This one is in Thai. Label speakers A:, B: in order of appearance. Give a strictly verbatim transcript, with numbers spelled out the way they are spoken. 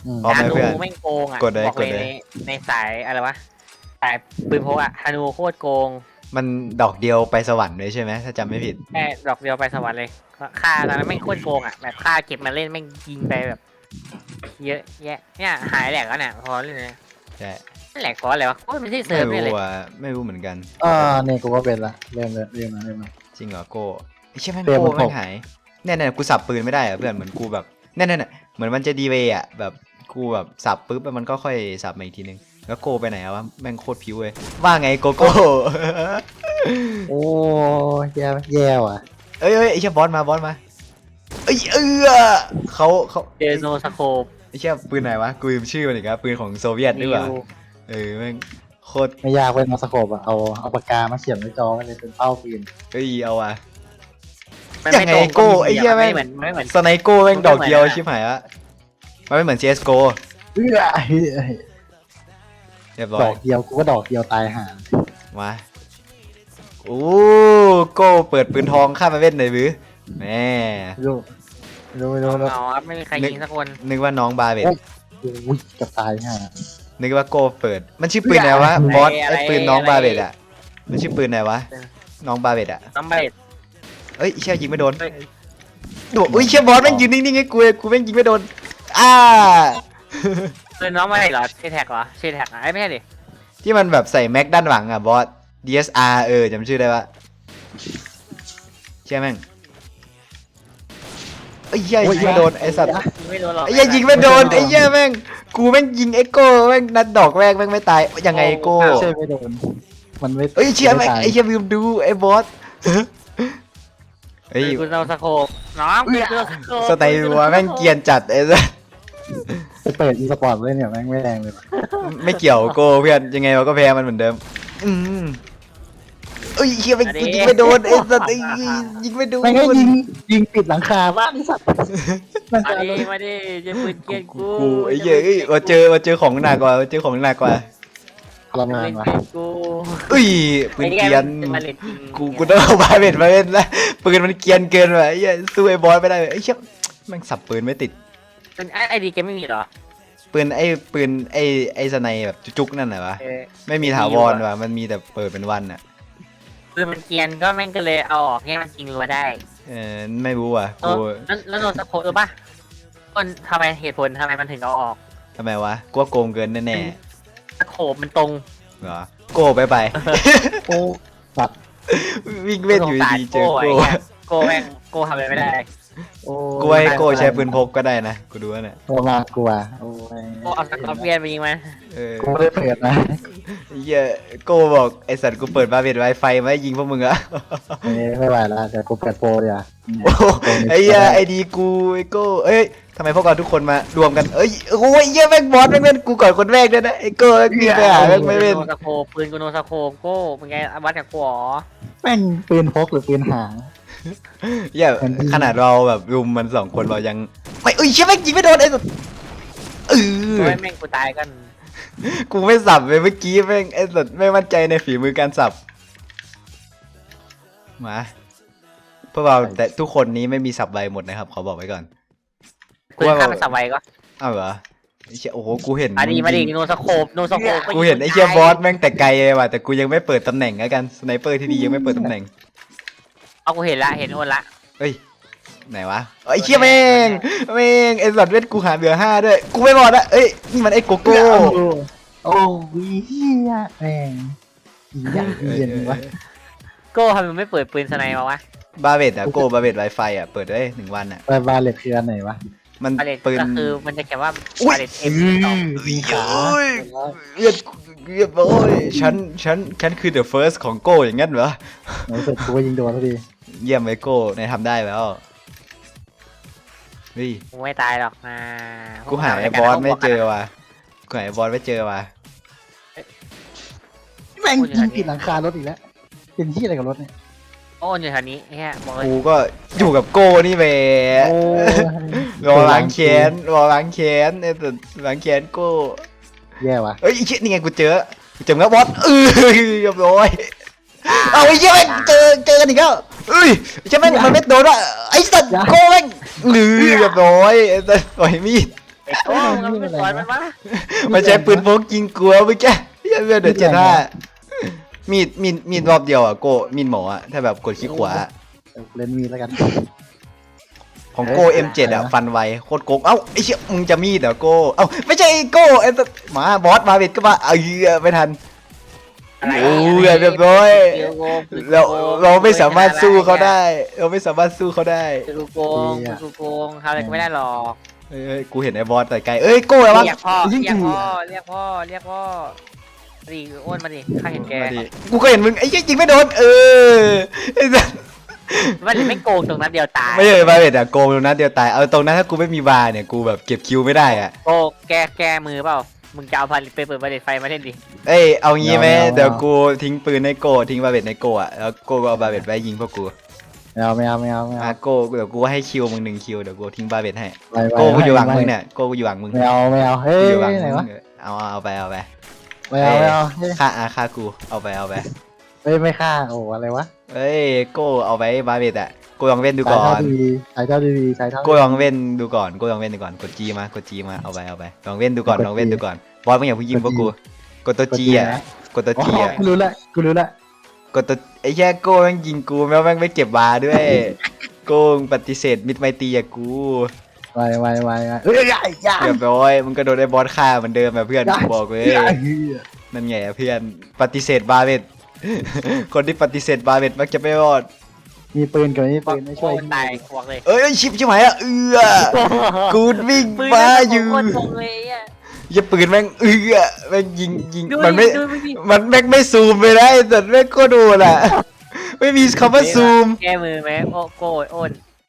A: พร้อมไหม
B: ฮานู
A: เพื่อน
B: แม่งโกงอ่ะ
A: กดเลย
B: บอกเลย
A: กดเลย
B: ในในสายอะไรวะสายปืนพกอ่ะฮานูโคตรโกง
A: มันดอกเดียวไปสวรรค์เลยใช่ไหมถ้าจำไม่ผิด
B: แค่ดอกเดียวไปสวรรค์เลยค่าตอนนั้นแม่งโคตรโกงอ่ะแบบค่าเก็บมาเล่นแม่งยิงไปแบบ เยอะแยะเนี่ยหายแหลกแล้วเนี่ยพอเล่นเลย
A: ใช่
B: แหลกเพราะอะไรวะโอ้ยไม่ใช่เซิ
A: ไม่
B: ร์ฟเนี่ยเลย
A: รู้อ่ะไม่รู้เหมือนกัน
C: อ่าเนี่ยกูก็เป็นละเริ่มเลยเริ่มมาเริ่มมา
A: จริงเหรอโก้ไอ้เชี่ยแม่ง
C: เตรียม
A: โก้
C: มัน
A: แม่
C: ต
A: ง
C: ก
A: หายเนี่ยเนี่ยกูสับปืนไม่ได้อะเพื่อนเหมือนกูแบบเนี่ยเนี่ยเหมือนมันจะดีเวย์อ่ะแบบกูแบบสับปุ๊บแล้วมันก็ค่อยสับมาอีกทีนึงแล้วโก้ไปไหนอะวะแม่งโคตรผิวเลยว่าไงโกโก้
C: โอ้แย่แย่ว่ะ
A: เอ้ยเอ้ยไอ้เชี่ยบอสมาบอสมาเอ้ยเออเขาเขา
B: เดโนสโคป
A: ไอ้เชี่ยปืนไหนวะกูลืมชื่อมันอีกแล้วปืนของโซเวียตด้วยว่ะเออแม่งโคตร
C: ไม่ยากเว้ยมาสโคปอะเอาเอาปากกามาเขียนไว้จอกันเลยเป็นเป้าปืน
A: เอ้ยเอาว่ะ
B: มัน
A: ยังไง
B: ม่ตร
A: โก้ไอ้เหี้ยแม่ง
B: ไม่เหมือนไม่เหมือน
A: สไนโก้แม่งดอกเดียว
B: มันไม่เหมือนอะ
A: ชิบหายละมันไม่เหมือน ซี เอส โก
C: เอ้ย
A: เรียบร้อ
C: ด
A: ย
C: อกเดียวกูก็ดอกเดียวตายห่า
A: มาโอ้โก้เปิดปืนทองข้ามมาเว้นหน่อยบื้อแม่
C: ไม่รู้ไม่รู้ไม่รู้
B: เอา
C: แล้ว
B: เอาครับไม่มีใครยิงสักคน
A: นึกว่าน้องบาเบต
C: โอ้ยจะตายห่า
A: นึกว่าโก้เปิดมันชื่อปืนอะไรวะบอสไอ้ปืนน้องบาเบตอะมันชื่อปืนอะไรวะน้องบาเบตอะ
B: น้ำเบด
A: เอ้ยเชี่ยยิงไม่โดน
B: เฮ้ย
A: โดดอุ้ยเชี่ยบอสแม่งยืนนิ่งๆให้กูเลยกูแม่งยิงไม่โดนอ้า
B: เป็นน้องเบดเหรอชื่อแท็กเหรอชื่อแท็กอ่ะไอ้ไม่ใช่ดิ
A: ที่มันแบบใส่แม็กด้านหลังอะบอส ดี เอส อาร์ เออจำชื่อได้ปะเชี่ยแม่งไอ้ยเหี้ยยิงไม่โดนไอ้สัตว์
B: ยิงไม่โดนหรอก
A: ไอ้เหี้ยยิงไม่โดนไอ้เหี้ยแม่งกูแม่งยิงเอ็กโก้แม่งนัดดอกแรกแม่งไม่ตายยังไงเอ็กโก้
C: ไม่ใช่ไม่โดนมันไม่
A: เอ้ยเชี่ยแม่ง
C: ตาย
A: ไอ้เหี้ยลืมดูไอ้บอสเฮ้ย
B: คุณเอาสโคปน้องคุณเอาสโคป
A: สไตล์วัวแม่งเกรียนจัดไอ้สัส
C: ไปเปิดอีสปอร์ตเลยเนี่ยแม่งไม่แรงเลยว่ะ
A: ไม่เกี่ยวโก้เพื่อนยังไงเราก็แพ้มันเหมือนเดิมอืมเอ้ยเหี้ยแม่งกูยิงไม่โดนไอ้สัสไอ้ยิงไม่โดน
C: แม่งก็ยิงยิงปิดหลังคาบ้านไอ้สัตว์มัน
B: มา
C: จะ
B: ดิมาดิจะปืนเกลียนกู
A: กูไอ้เหี้ยเอ้ยมาเจอมาเจอของหนักกว่ามาเจอของหนักกว่า
C: ทร
B: ปื
C: มาน
B: น
C: ว่ะ
B: เกลียนกู
A: เอ้ยปืนเกรียน
B: มาเล่นจริง
A: กูกูต้องเอาบาเบ็ดมาเล่นแล้วปืนมันเกรียนเกินว่ะไอ้เหี้ยสู้ไอ้บอสไม่ได้ไอ้เชี่ยแม่งสับปืนไม่ติด
B: เป็นไอดีเกมไม่มีเหรอ
A: ปืนไอ้ปืนไอ้ไอ้สไนแบบจุกๆนั่นน่ะวะ
B: เออ
A: ไม่มีถาวรว่ะมันมีแต่เปิดเป็นวันอ่ะ
B: ปืนมันเกรียนก็แม่งก็เลยเอาออกให้มันยิงรัวได้
A: เออไม่รู้ว่ะ
B: เอ
A: กู
B: อแล้วแล้วโดนสโคปหรือปะคนทำไมเหตุผลทำไมมันถึงเอาออก
A: ทำไมวะกูว่าโกงเกินแน่
B: สโคปมันตรง
A: ๆเหรอโก้ไปไป
C: โอ้สัตว์
A: วิ่งเว้นอยู่ดีๆเจอ
B: โก้
A: โก้
B: ไอ้เหี้ยโก้แม่งโก้ทำอะไรไม่ได้
C: โอ้
A: กูให้โก้ใช้ปืนพกก็ได้นะกูดูว่าเนี่ย
C: โอ้มากลัวโอ้ย
B: โก้เอาสกอร์เปียนไปยิงมัน
A: เออ
C: กูไม่ได้เปิดนะ
A: ไอ้เหี้ยโก้บอกไอสัตว์กูเปิดบาเบ็ดไวไฟมาให้ยิงพวกมึงอะ
C: เอ้ยไม่ไหวแล้วเดี๋ยวกูเปิดโปรเดี๋ยว
A: โอ้โหไอ้เหี้ยไอดีกูไอโก้เอ้ยทำไมพวกเราทุกคนมารวมกันเอ้ยโอ้ยเหี้ยแม่งบอสแม่งเล่นกูก่อนคนแรกด้วยนะไอโก้แม่งยิงไปหาแม่งไม่เล่น
B: โนสโคปปืนกูโนสโคปโก้เป็นไงวัดกับกูหรอ
C: แม่งปืนพกหรือปืนหาง
A: เหี้ยขนาดเราแบบรุมมันสองคนเรายังไม่เอ้ยเชี่ยแม่งยิงไม่โดนไอ้สัตว์เออ
B: โอ้ยแม่งกูตายกัน
A: กูไม่สับเลยเมื่อกี้แม่งไอ้สัตว์ไม่มั่นใจในฝีมือการสับมาพวกเราแต่ทุกคนนี้ไม่มีสับใบหมดนะครับขอบอกไว้ก่อน
B: ปืนข้ามมันสับไวก็
A: อ้าวเหรอไอ้เชี่ยโอ้โหกูเห็น
B: มาดีมาดี
A: งยิง
B: โนสโคปโนสโคป
A: กูเห็นไอ้เชี่ยบอสแม่งแต่ไกลเลยว่ะแต่กูยังไม่เปิดตำแหน่งแล้วกันสไนเปอร์ที่ดียังไม่เปิดตำแหน่ง
B: เอากูเห็นละเห็นโอนละ
A: เฮ้ยไหนวะไอ้เชี่ยแม่งแม่งไอ้สัตว์เวทกูหาเหลือห้าด้วยกูไม่รอดละเอ้ยนี่มันไอ้โกโก้
C: โอ้ยเฮียแม่งอีอย่างเย็นวะ
B: โก้ทำไมไม่เปิดปืนสไนมาวะ
A: บาเบตอะโก้บาเบตไวไฟอะเปิดได้หนึ่งวันอะ
C: ไปบาเลตคืออันไหนวะ
A: มัน
B: บาเลต
A: ปืน
B: ก็คือมันจะเขียนว่า
A: อุ๊ย
B: บาเลตเอ็มสอง
C: ยิงขา
A: โอ้ยเรียบเรียบโอ้ยฉันฉันฉันคือ the first ของโก้อย่างงั้นเหรอ
C: ไหนเสร็จกูก็ยิงโดนพอดี
A: เยี่ยมไอ้โก้ในายทำได้แล้วเฮ้ย
B: กูไม่ตายหรอกนะ
A: กูหาไอ้บอสไม่เจอว่ะกูหาไอ้บอสไม่เจอว่ะ
C: แม่งยิงปิดหลังคารถอีกแล้วเป็นที่อะไรกับรถเนี่ย
B: โอ้อยู่แถวนี้แค่บอกเลย
A: กูก็อยู่กับโก้นี่แหละ
C: โอ้
A: รอล้างแค้นรอล้างแค้นไอ้แต่ล้างแค้นโก้
C: แย่ว่ะ
A: เอ้ยไอ้เชี่ยนี่ไงกูเจอกูเจอแล้วบอสเออเรียบร้อยเอาไอ้เชี่ยแม่งเจอเจอกันอีกแล้วเอ้ยไอ้เชี่ยแม่งมันไม่โดนว่ะไอ้สัตว์โก้แม่งหรือเรียบร้อยไอ้สัตว์ปล่อยมีด
B: ไอ้โก้มันไม่สอนมันวะ
A: มันใช้ปืนพกยิงกลัวเมื่อกี้เหี้ยเพื่อนเดือดเจ็ดห้ามีดมีดมีดรอบเดียวอ่ะโกมีดหมออ่ะถ้าแบบกดคลิกขวา
C: เล่นมีแล้วกัน
A: ของโก เอ็ม เจ็ด อ่ะฟันไวโคตรโกงเอ้าไอ้เชี่ยมึงจะมีดเหรอโกเอ้าไม่ใช่ไอ้โกไอ้ตัวหมาบอสมาเบ็ดก็มาเออไม่ทัน
B: อะไร
A: โอ้ยเรียบร้อย
B: เดี๋ยวโกง
A: เราเราไม่สามารถสู้เขาได้ เราไม่สามารถสู้เขาได้
B: เดี๋ยวกูโกงเดี๋ยวกูโกงทำอะไรก็ไม่ได้หรอก
A: เอ้ยกูเห็นไอ้บอสแต่ไกลเอ้ยโก้อะไรวะ
B: เรียกพ่อเรียกพ่อเรียกพ่อเรียกพ่อดิอ้วนมาดิข้าเห็นแก
A: มาดิกูก็เห็นมึงไอ้เหี้ยยิงไม่โดนเออไอ้สัส
B: มันไม่โกงตรงนั้นเดียวตาย
A: ไม่ใช่บาเบ็ดอะโกงตรงนั้นเดียวตายเอาตรงนั้นถ้ากูไม่มีบาร์เนี่ยกูแบบเก็บคิวไม่ได้อะ
B: โกแกแกมือเปล่ามึงจะเอาพันไปเปิดประเด็นไฟมาเล่นดิ
A: เอ้ยเอางี้ไหมเดี๋ยวกูทิ้งปืนในโกทิ้งบาเบ็ดในโกอะแล้วโกก็เอาบาเบ็ดไว้ยิงพวกกู
C: ไม่เอาไม่เอาไม่เอาไม่
A: อ่ะ
C: เอา
A: โกเดี๋ยวกูให้คิวมึงหนึ่งคิวเดี๋ยวกูทิ้งบาเบ็ดให้
C: ไปไป
A: โกกูอยู่หลัง
C: ไป
A: มึงเนี่ยโกกูอยู่หลังมึง
C: ไม่เอาไม่เอาเฮ้
A: กู
C: ย
A: อยู่หลัง
C: ไหน
A: มึ
C: วะ
A: งเอาเอาเอาไปเอาไป
C: ไม่เอาไม่เอาเฮ้ย
A: ฆ่าอาฆ่ากูเอาไปเอาไป
C: เฮ้ยไม่ฆ่าโอ้อะไรวะ
A: เอ้ยโกเอาไว้บาเบ็ดอะโกลองเว้นดู
C: ใช้
A: ก่อ
C: เท่าน ทีวีใช้เท่าทีวีใช้เท่า
A: โกลองเว้นดูก่อนโกลองเว้นดูก่อนกดจีมากดจีมาเอาไปเอาไปลองเว้นดูก่อนลองเว้นดูก่อนบอสมึงอย่าเพิ่งยิงพวกกูกดตัวจีอะกดตัว
C: อ๋
A: จี
C: อ
A: อะ
C: กูรู้ละกูรู้ละ
A: กดตัวไอ้แค่โก้แม่งยิงกูแม่งแม่งไม่เก็บบาร์ด้วย โก้งปฏิเสธมิตรไมตรีอะกู
C: ไวไวไวไวเฮ้ยใหญ่ใหญ่
A: เรียบร้อยมึงก็โดนไอ้บอสฆ่าเหมือนเดิมแบบเพื่อนกูบอกเลย
C: ใหญ่
A: นั่นไงอะเพื่อนปฏิเสธบาร์เบ็ด คนที่ปฏิเสธบาร์เบ็ดมักจะไม่รอด
C: มีปืนกับไม่มีปืนไม่ช่วย
B: ตายควงเลย
A: เอ้ยชิบชิบหายอะเอือกูวิ่งมาอยู่
B: โคตรโกงเลยอ่ะ
A: อย่าปืนแม่งเอือแม่งยิงยิง
B: ดู
A: มันไม่
B: ดูดิ
A: มันแม่งไม่ซูมไปได้แต่แม่งก็โดนอะไม่มีคำว่าซูม
B: แก้มือไหมโอ้โก้อ้น